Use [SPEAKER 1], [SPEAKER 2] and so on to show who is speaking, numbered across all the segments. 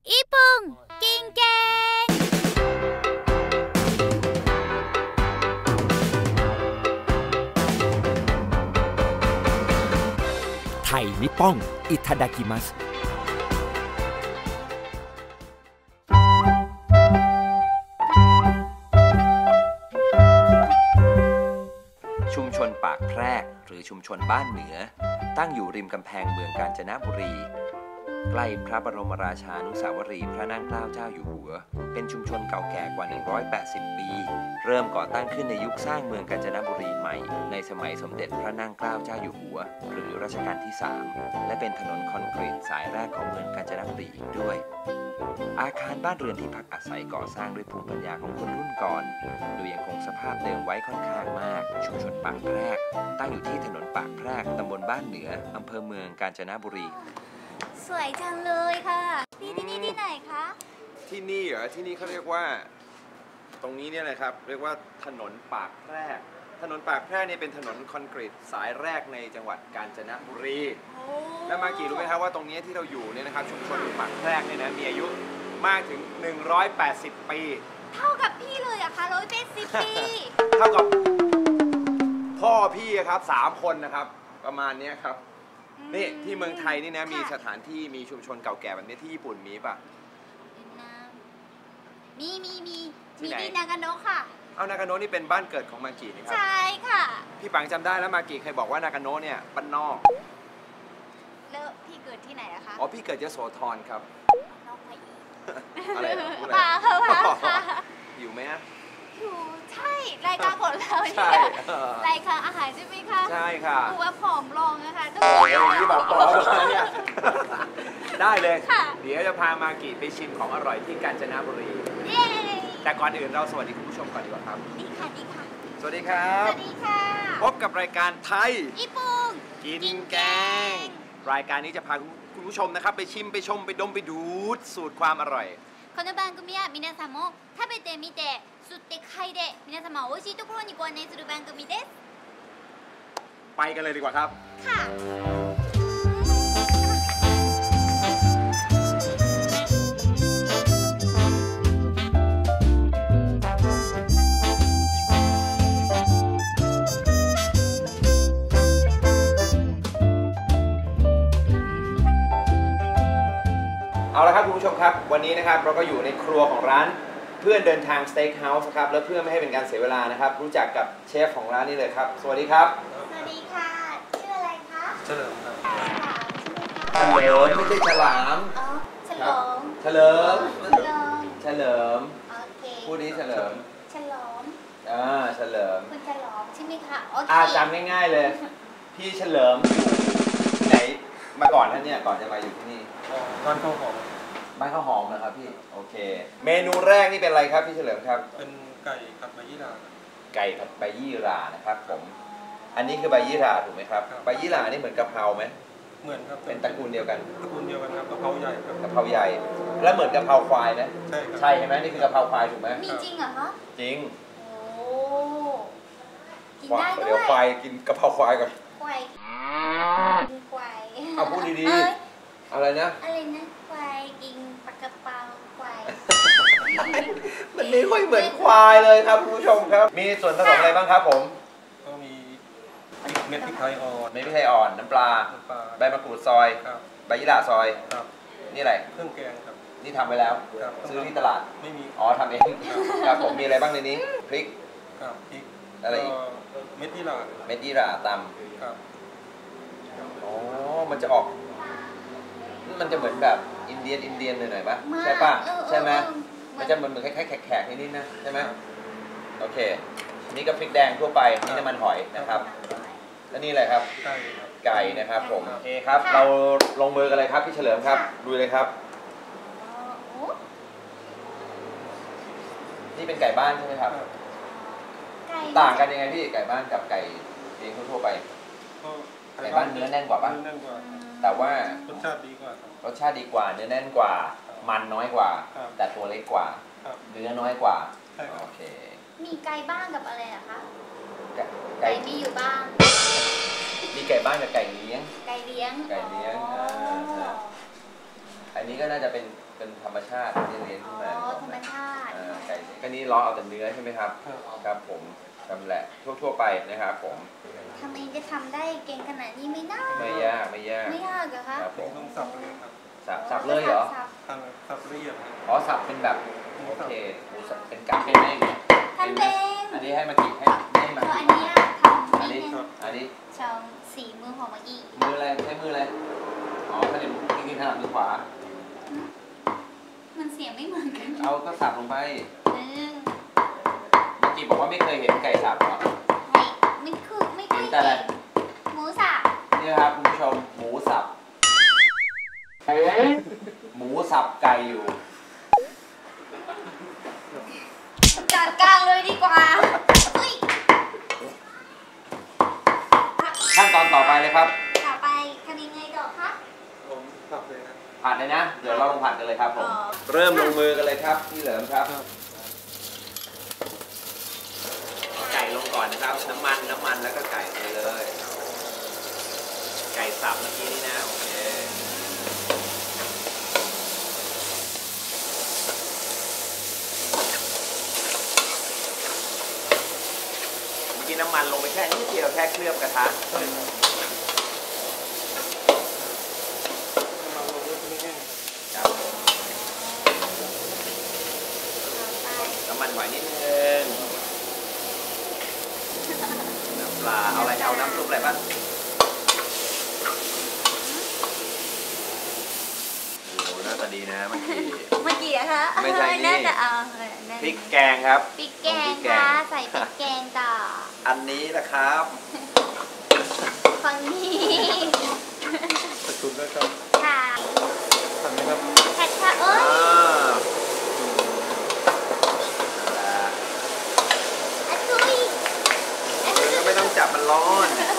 [SPEAKER 1] อีปุงกิงแกง
[SPEAKER 2] ไทยนิปป้องอิทาดากิมัสชุมชนปากแพรกหรือชุมชนบ้านเหนือตั้งอยู่ริมกำแพงเมืองกาญจนบุรีใกล้พระบรมราชานุสาวรีย์พระนั่งเกล้าเจ้าอยู่หัวเป็นชุมชนเก่าแก่กว่า180ปีเริ่มก่อตั้งขึ้นในยุคสร้างเมืองกาญจนบุรีใหม่ในสมัยสมเด็จพระนั่งเกล้าเจ้าอยู่หัวหรือรัชกาลที่3และเป็นถนนคอนกรีตสายแรกของเมืองกาญจนบุรีอีกด้วยอาคารบ้านเรือนที่พักอาศัยก่อสร้างด้วยภูมิปัญญาของคนรุ่นก่อนโดยยังคงสภาพเดิมไว้ค่อนข้างมากชุมชนปากแพรกตั้งอยู่ที่ถนนปากแพรกตำบลบ้านเหนืออำเภอเมืองกาญจนบุรี
[SPEAKER 1] สวยจังเลยค่ะที่นี่ที่ไหนคะ
[SPEAKER 3] ที่นี่เหรอที่นี่เขาเรียกว่าตรงนี้เนี่ยนะครับเรียกว่าถนนปากแพรกถนนปากแพรกเนี่ยเป็นถนนคอนกรีตสายแรกในจังหวัดกาญจนบุรีแล้วมากี่รู้ไหมครับว่าตรงนี้ที่เราอยู่เนี่ยนะครับชุมชนปากแพรกเนี่ยนะมีอายุมากถึง180ปี
[SPEAKER 1] เท่ากับพี่เลยอะคะ180 ปี
[SPEAKER 3] เท่ากับพ่อพี่ครับ3 คนนะครับประมาณนี้ครับนี่ที่เมืองไทยนี่นะมีสถานที่มีชุมชนเก่าแก่แบบนี้ที่ญี่ปุ่นมีป่ะ
[SPEAKER 1] มีที่นากาโนะค่ะ
[SPEAKER 3] เอานากาโนะนี่เป็นบ้านเกิดของมากินี่ครับ
[SPEAKER 1] ใช่ค่ะ
[SPEAKER 3] พี่ปังจำได้แล้วมากิเคยบอกว่านากาโนะเนี่ยบ้านนอก
[SPEAKER 1] แล้วพี่เกิดที่ไหนอะคะ
[SPEAKER 3] อ๋อพี่เกิดยโสธรครับ
[SPEAKER 1] นอกไปอีก
[SPEAKER 3] อะไร
[SPEAKER 1] ป่าค่ะ
[SPEAKER 3] อยู่ไหม
[SPEAKER 1] อยู่ใช่รายการของเราเนี่ยรายการอาหารใช่ไหมคะ
[SPEAKER 3] ใช่ค่ะ
[SPEAKER 1] ดูว่าผอมลงนะคะต้อง
[SPEAKER 3] ที่แบบผอมเนี่ยได้เลยเดี๋ยวจะพามากิไปชิมของอร่อยที่กาญจนบุรีแต่ก่อนอื่นเราสวัสดีคุณผู้ชมก่อนดีกว่าครับ
[SPEAKER 1] ดีค่ะดีค่ะ
[SPEAKER 3] สวัสดีครับ
[SPEAKER 1] สวัสดีค่ะ
[SPEAKER 3] พบกับรายการไทย
[SPEAKER 1] ญี่ปุ่ง
[SPEAKER 3] กินแกงรายการนี้จะพาคุณผู้ชมนะครับไปชิมไปชมไปดมไปดูดสูตรความอร่อย
[SPEAKER 1] この番組は皆さんも食べてみて吸って嗅いで皆様を美味しいところにご案内する番組です
[SPEAKER 3] ไปกันเลยดีกว่าครับ
[SPEAKER 1] ค่ะ
[SPEAKER 3] เอาละครับคุณผู้ชมครับวันนี้นะครับเราก็อยู่ในครัวของร้านเพื่อนเดินทางสเต็กเฮาส์ครับแล้วเพื่อไม่ให้เป็นการเสียเวลานะครับรู้จักกับเชฟของร้านนี้เลยครับสวัสดีครับ
[SPEAKER 1] สวัสดีค่ะชื่ออะไรคะ
[SPEAKER 3] เฉลิมครับเฉลิมไม่ใช่ฉลาม
[SPEAKER 1] อ๋อเฉลิม
[SPEAKER 3] เฉลิมเฉลิม
[SPEAKER 1] โอเค
[SPEAKER 3] พูดนี้เฉลิม
[SPEAKER 1] เฉลิม
[SPEAKER 3] เฉลิม
[SPEAKER 1] คุณเฉลิมใช่ไหมคะโอเค
[SPEAKER 3] จำง่ายๆเลยพี่เฉลิมที่ไหนมาก่อนท่านเนี่ยก่อนจะมาอยู่ที่นี่
[SPEAKER 4] บ้านข้าวหอม
[SPEAKER 3] บ้านข้าวหอมนะครับพี่โอเคเมนูแรกนี่เป็นอะไรครับพี่เฉลิมครับ
[SPEAKER 4] เป็นไก่ผัดใบยี่หร่า
[SPEAKER 3] ไก่ผัดใบยี่หร่านะครับผมอันนี้คือใบยี่หร่าถูกไหมครับใบยี่หร่านี่เหมือนกะเพราไหม
[SPEAKER 4] เหมือนครับ
[SPEAKER 3] เป็นตระกูลเดียวกัน
[SPEAKER 4] ตระกูลเดียวกันครับกะเพราใหญ่ครับ
[SPEAKER 3] กะเพราใหญ่แล้วเหมือนกะเพราควายไหม
[SPEAKER 4] ใช่ครับ
[SPEAKER 3] ใช่ใช่ไหมนี่คือกะเพราควายถูกไหม
[SPEAKER 1] มีจริงเหรอคะ
[SPEAKER 3] จริง
[SPEAKER 1] โอ้กินได้ด้วย
[SPEAKER 3] เดี๋ยวควายกินกะเพราควายก่อน
[SPEAKER 1] ควาย
[SPEAKER 3] เอาพูดดีๆอะไรนะ
[SPEAKER 1] ควายกินปลากระเป๋าควาย
[SPEAKER 3] มันไม่ค่อยเหมือนควายเลยครับคุณผู้ชมครับมีส่วนผสมอะไรบ้างครับผม
[SPEAKER 4] ก็มีเม็ดพริกไทยอ่อน
[SPEAKER 3] เม็ดพริกไทยอ่อนน้ำปลาใบมะกรูดซอยใบยี่หร่าซอยนี่อะไร
[SPEAKER 4] เครื่องแกงครับ
[SPEAKER 3] นี่ทำไปแล้วซื้อที่ตลาด
[SPEAKER 4] ไม่มี
[SPEAKER 3] อ๋อทำเองครับผมมีอะไรบ้างในนี้พริก
[SPEAKER 4] พริก
[SPEAKER 3] อะไรอีก
[SPEAKER 4] เม็ดยี่หร่า
[SPEAKER 3] ตำอ๋อมันจะออกมันจะเหมือนแบบอินเดียนหน่อยๆป่ะใช่ป่ะใช่ไหมมันจะเหมือนคล้ายๆแขกนิดๆนะใช่ไหมโอเคนี่ก็พริกแดงทั่วไปนี่น้ำมันหอยนะครับแล้วนี่อะไรครับไก่นะครับผมโอเคครับเราลงมือกันเลยครับพี่เฉลิมครับดูเลยครับนี่เป็นไก่บ้านใช่ไหมครับต่างกันยังไงพี่ไก่บ้านกับไก่เลี้ยงทั่วไปไก่บ้านเนื้อแน่นกว่าป่ะแต่ว่ารสชาติดีกว่าเนื้อแน่นกว่ามันน้อยกว่าแต่ตัวเล็กกว่าเนื้อน้อยกว่าโอเค
[SPEAKER 1] มีไก่บ้านกับอะไรอะคะไก่มีอยู่บ้าง
[SPEAKER 3] มีไก่บ้านกับไก่เลี้ยง
[SPEAKER 1] ไก่เลี้ยง
[SPEAKER 3] อันนี้ก็น่าจะเป็นธรรมชาติที่เลี้ยงขึ้นมา
[SPEAKER 1] ธรรมชาติ
[SPEAKER 3] ไก่ก็นี้ล้อเอาแต่เนื้อใช่ไหมครับ
[SPEAKER 4] ครับ
[SPEAKER 3] ครับผมทำแหละทั่วไปนะครับผม
[SPEAKER 1] ทำเองจะทำได้เก่งขนาดนี้ไหมนะ
[SPEAKER 3] ไม่ยากไม่ยาก
[SPEAKER 1] ไม่ยากเหรอคะ
[SPEAKER 3] ครับผม
[SPEAKER 4] ต้องสับเลยครับ
[SPEAKER 3] สับเลยเหรอ
[SPEAKER 1] สับ
[SPEAKER 4] สับละเอียดครับ
[SPEAKER 3] อ๋อสับเป็นแบบโอเคหมูสับเป็นกากเป็นไหมอย่างเงี้ย
[SPEAKER 1] ทำเอง
[SPEAKER 3] อันนี้ให้มากิให้มา
[SPEAKER 1] อันเนี้ยทำ
[SPEAKER 3] อัน
[SPEAKER 1] นิ
[SPEAKER 3] นี้
[SPEAKER 1] ดนึง
[SPEAKER 3] อันนี้
[SPEAKER 1] สองสีมือของเมื่อกี้
[SPEAKER 3] มืออะไรใช้มืออะไรอ๋อถ้าเดี๋ยวกินถนัดมือขวา
[SPEAKER 1] มันเสียงไม่เหมือนกัน
[SPEAKER 3] เอาก็สับลงไป
[SPEAKER 1] เออ
[SPEAKER 3] เมื่อกี้บอกว่าไม่เคยเห็นไก่สับเหรอ
[SPEAKER 1] ไม่คือไม่ค่อย
[SPEAKER 3] เห็นแต่อะไร
[SPEAKER 1] เก่งหมูสับ
[SPEAKER 3] นี่นะครับคุณผู้ชมหมูสับหมูสับไก่อยู่
[SPEAKER 1] จัดการเลยดีกว่าเฮ้ย
[SPEAKER 3] ขั้นตอนต่อไปเลยครับ
[SPEAKER 1] ต่อไปทำยังไงต่อคะ
[SPEAKER 4] ผมสับเลยนะ
[SPEAKER 3] ผัดเลยนะ เดี๋ยวเราลงผัดกันเลยครับผม
[SPEAKER 1] อ๋อ
[SPEAKER 3] เริ่มลงมือกันเลยครับพี่เหลิมครับ ไก่ลงก่อนนะครับ น้ำมันแล้วก็ไก่ไปเลย ไก่สับเมื่อกี้นี่นะโอเคเมื่อกี้น้ำมันลงไปแค่นิดเดียวแค่เคลือบกระทะ
[SPEAKER 4] ใช่ครับน้ำมันลงด้วยไม่แห้ง
[SPEAKER 3] ครับ
[SPEAKER 1] ต่อไป
[SPEAKER 3] น้ำมันหอยนิดนึงน้ำปลาเอาอะไรเอาน้ำซุปอะไรบ้างโอ้โหหน้าตาดีนะเมื่อกี้
[SPEAKER 1] เมื่อกี้อะคะ
[SPEAKER 3] ไม่ใช่นี่
[SPEAKER 1] น่าจะเอานั่น
[SPEAKER 3] พริกแกงครับ
[SPEAKER 1] พริกแกงค่ะใส่พริกแกงต่อ
[SPEAKER 3] อันนี้นะครับ
[SPEAKER 1] ฝั่งนี้
[SPEAKER 4] ตะกุนแล้วครับ
[SPEAKER 1] ค่ะ
[SPEAKER 4] ทำไหมครับ
[SPEAKER 1] แพทค่ะเอ้ย อะตุยอะตุย
[SPEAKER 3] ก็ไม่ต้องจับมันร้อน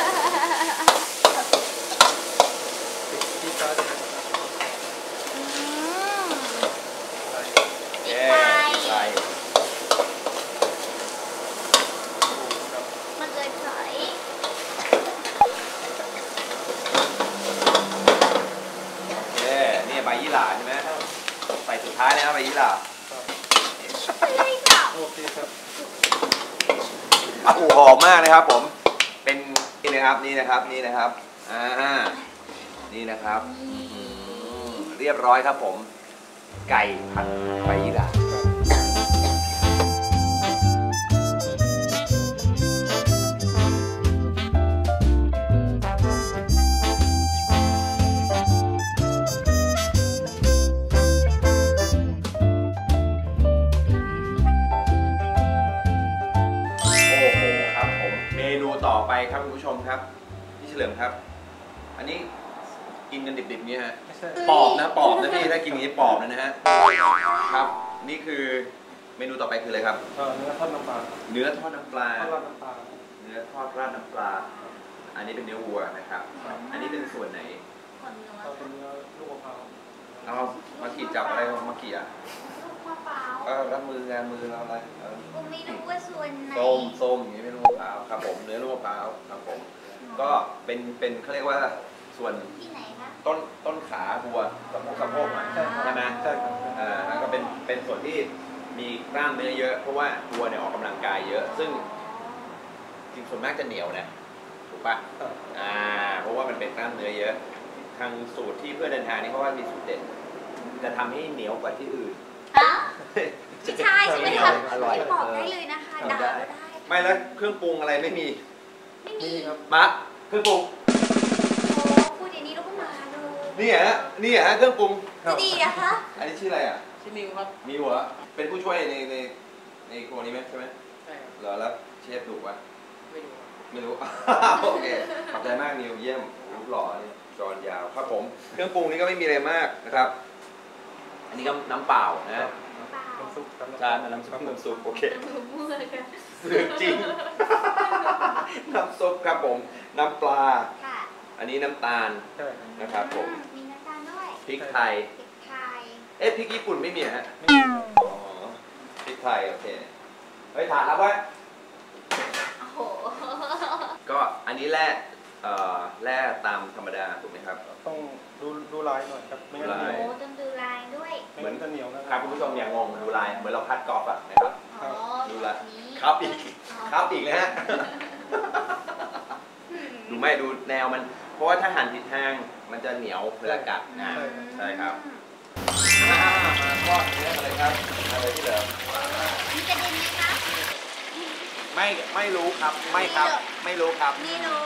[SPEAKER 4] ที่ซ้ายจะ
[SPEAKER 1] อืม
[SPEAKER 4] ใส่
[SPEAKER 3] เย้ใส่
[SPEAKER 4] ครับ
[SPEAKER 1] มันเลยถอย
[SPEAKER 3] เย้นี่ใบยี่หร่าใช่ไหมใส่สุดท้ายเลยนะใบยี่หร่า
[SPEAKER 1] เลยค่ะ
[SPEAKER 4] โอเคครับ
[SPEAKER 3] อ่ะหอมมากนะครับผม เป็นนี่นะครับนี่นะครับนี่นะครับนี่นะครับเรียบร้อยครับผม ไก่ผัดใบยี่หร่าโอ้โหครับผมเมนูต่อไปครับคุณผู้ชมครับพี่เฉลิมครับ อันนี้กินกันดิบๆเนี่ยฮะ
[SPEAKER 4] ไม่ใช่
[SPEAKER 3] ปอบนะพี่ถ้ากินอย่างนี้ปอบนะฮะครับ นี่คือเมนูต่อไปคืออะไรครับ
[SPEAKER 4] เนื้อทอดน้ำปลา
[SPEAKER 3] เนื้อทอดน้ำปลา
[SPEAKER 4] ทอดราดน้ำปลา
[SPEAKER 3] เนื้อทอดราดน้ำปลา อันนี้เป็นเนื้อวัวนะครับ อันนี้เป็นส่วนไหน
[SPEAKER 1] คนนัว
[SPEAKER 4] เอาเป็นเนื้อลูกมะพร้าว
[SPEAKER 3] เอามากี่จับอะไรมากี่อ่ะ
[SPEAKER 1] ลูกมะพร้าว
[SPEAKER 3] รับมืองานมือเราอะไร
[SPEAKER 1] กูไม่รู้ว่าส่วนไหน
[SPEAKER 3] ส้มอย่างนี้ไม่รู้มะพร้าวครับผมเนื้อลูกมะพร้าวครับผมก็เป็นเขาเรียกว่าส่วน
[SPEAKER 1] ที่ไหนคะ
[SPEAKER 3] ต้นขาวัวสะโพกหน่อยใช่ไหม
[SPEAKER 4] ใช่ครับ
[SPEAKER 3] แล้วก็เป็นส่วนที่มีกล้ามเนื้อเยอะ เพราะว่าวัวเนี่ยออกกำลังกายเยอะ ซึ่งจริงส่วนมากจะเหนียวนะถูกปะ
[SPEAKER 4] ครับ
[SPEAKER 3] เพราะว่ามันเป็นกล้ามเนื้อเยอะ ทางสูตรที่เพื่อนเดินทางนี่เขาว่ามีสูตรเด็ดจะทำให้เหนียวกว่าที่อื่น
[SPEAKER 1] ฮะไม่ใช่ใช่ไหมคะ
[SPEAKER 3] อร่อย
[SPEAKER 1] ไม่บอกได้เลยนะคะด่าก็ได้
[SPEAKER 3] ไม่แล้วเครื่องปรุงอะไรไม่มี
[SPEAKER 1] ไม่มี
[SPEAKER 4] นี่ครับ
[SPEAKER 3] มะเครื่องปรุง
[SPEAKER 1] โอ้พูดอย่างนี้แล้วก็มาเลย
[SPEAKER 3] นี่ฮะเครื่องปรุง
[SPEAKER 1] จะดีนะคะ
[SPEAKER 3] อันนี้ชื่ออะไรอ่ะ
[SPEAKER 4] ชื่อนิวครับ
[SPEAKER 3] มีหัวเป็นผู้ช่วยในครัวนี้ไหมใช่ไหม
[SPEAKER 4] ใช่ครับ
[SPEAKER 3] เหรอแล้วเชฟดุปะ
[SPEAKER 4] ไม่รู้ครับ
[SPEAKER 3] ไม่รู้ โอเค ขอบใจมากนิวเยี่ยมรูปหล่อนี่จอนยาวครับผม เครื่องปรุงนี้ก็ไม่มีอะไรมากนะครับ อันนี้ก็น้ำเปล่านะ
[SPEAKER 4] น้ำซุปครับ
[SPEAKER 3] จานน้ำซุปโอเค
[SPEAKER 1] มั่วกัน
[SPEAKER 3] เรื่องจริง น้ำซุปครับผม น้ำปลา
[SPEAKER 1] ค่ะ
[SPEAKER 3] อันนี้น้ำตาล
[SPEAKER 4] ใช่ครับ
[SPEAKER 3] นะครับผม
[SPEAKER 1] มีน้ำตาลด้วย
[SPEAKER 3] พริกไทย
[SPEAKER 1] พริกไทย
[SPEAKER 3] พริกญี่ปุ่นไม่มีเหรอฮะ
[SPEAKER 4] ไม่มี
[SPEAKER 3] อ๋อ พริกไทยโอเค เฮ้ยถาดรับไว้
[SPEAKER 1] โอ้โห
[SPEAKER 3] ก็อันนี้แหละแร่ตามธรรมดาถูกไหมครับ
[SPEAKER 4] ต้องดูลายหน่อยครับไม่งั้น
[SPEAKER 3] ลาย
[SPEAKER 1] โอ้ต้องดูลายด้วย
[SPEAKER 4] ไม่งั้นจะเหนียวนะ
[SPEAKER 3] ครับคุณผู้ชมอย่างงงดูลายเหมือนเราพัดกอล์ฟอะนะครับ
[SPEAKER 1] อ๋อ
[SPEAKER 3] ดู
[SPEAKER 1] แบ
[SPEAKER 3] ละ
[SPEAKER 1] บนี้
[SPEAKER 3] ครับอีกครับอีกเลยฮะ ดูไม่ดูแนวมัน เพราะว่าถ้าหั่นผิดทางมันจะเหนียวเวลากัดนะ ใช่ครับ มาทอดเนื้อกันเลยครับอะไรที่เหลือ
[SPEAKER 1] มีกระเด็นไหมคะ
[SPEAKER 3] ไม่รู้ครับไม่ครับ ไม่รู้ครับ
[SPEAKER 1] ไม่รู้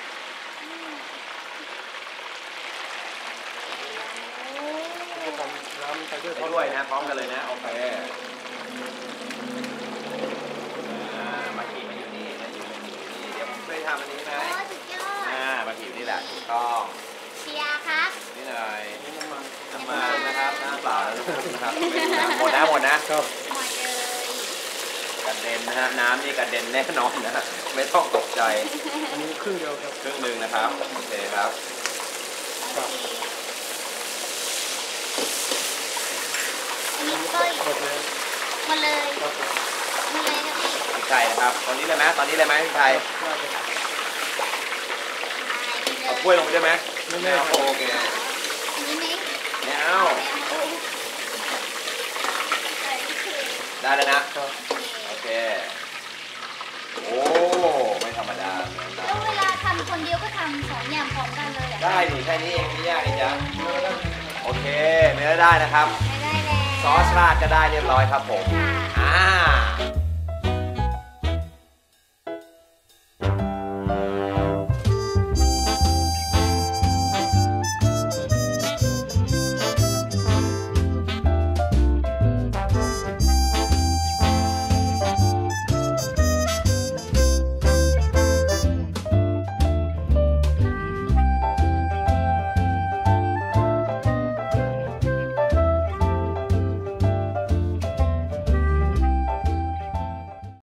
[SPEAKER 1] โอ้
[SPEAKER 4] ก็ทำน้ำไปด้วย
[SPEAKER 3] ไปด้วยนะพร้อมกันเลยนะโอเคมาขี่มาอยู่นี่มาอยู่นี่เดี๋ยวผมช่วยทำอันนี้ไหม
[SPEAKER 1] สุดยอด
[SPEAKER 3] มาขี่อยู่นี่แหละถูกต้อง
[SPEAKER 1] เชียร์ครับ
[SPEAKER 3] นี่หน่อย
[SPEAKER 4] นี่น้ำมัน
[SPEAKER 3] น้ำมันนะครับน้ำเปล่าแล้วนะครับหมดนะหมดนะครับ
[SPEAKER 1] หมดเลย
[SPEAKER 3] กระเด็นนะฮะน้ำนี่กระเด็นแน่นอนนะไม่ต้องตกใจ
[SPEAKER 4] อันนี้ครึ่งเดียวครับ
[SPEAKER 3] ครึ่งหนึ่งนะครับโอเคครับ
[SPEAKER 1] โอเคอันนี้ก็
[SPEAKER 4] หมดเลย
[SPEAKER 1] หมดเลย
[SPEAKER 4] ครับผม
[SPEAKER 1] หมดเลยครับพี่
[SPEAKER 3] พริกไทยนะครับตอนนี้เลยไหมตอนนี้เลยไหมพริกไทย
[SPEAKER 4] น่าจะ
[SPEAKER 3] เอาถ้วยลงไปได้ไหม
[SPEAKER 4] ไม่แน่
[SPEAKER 3] เอาโอเค
[SPEAKER 1] อันนี้ไหม
[SPEAKER 3] ไม่เอา
[SPEAKER 1] โอ้โห
[SPEAKER 3] ได้แล้วนะ
[SPEAKER 4] ครับ
[SPEAKER 3] โอเคโอ้ไม่ธรรมดาเหมือนกั
[SPEAKER 1] แล้ว
[SPEAKER 3] น
[SPEAKER 1] เวลาทำคนเดียวก็ทำสองอย่างพร้อมกันเลยเหรอ
[SPEAKER 3] ได้ดิแค่นี้เองไม่ยากเลยจ้ะโอเคเนื้อได้นะครับ
[SPEAKER 1] ไม่ได้แล้ว
[SPEAKER 3] ซอสราดก็ได้เรียบร้อยครับผม
[SPEAKER 1] ค่ะ
[SPEAKER 3] อ่า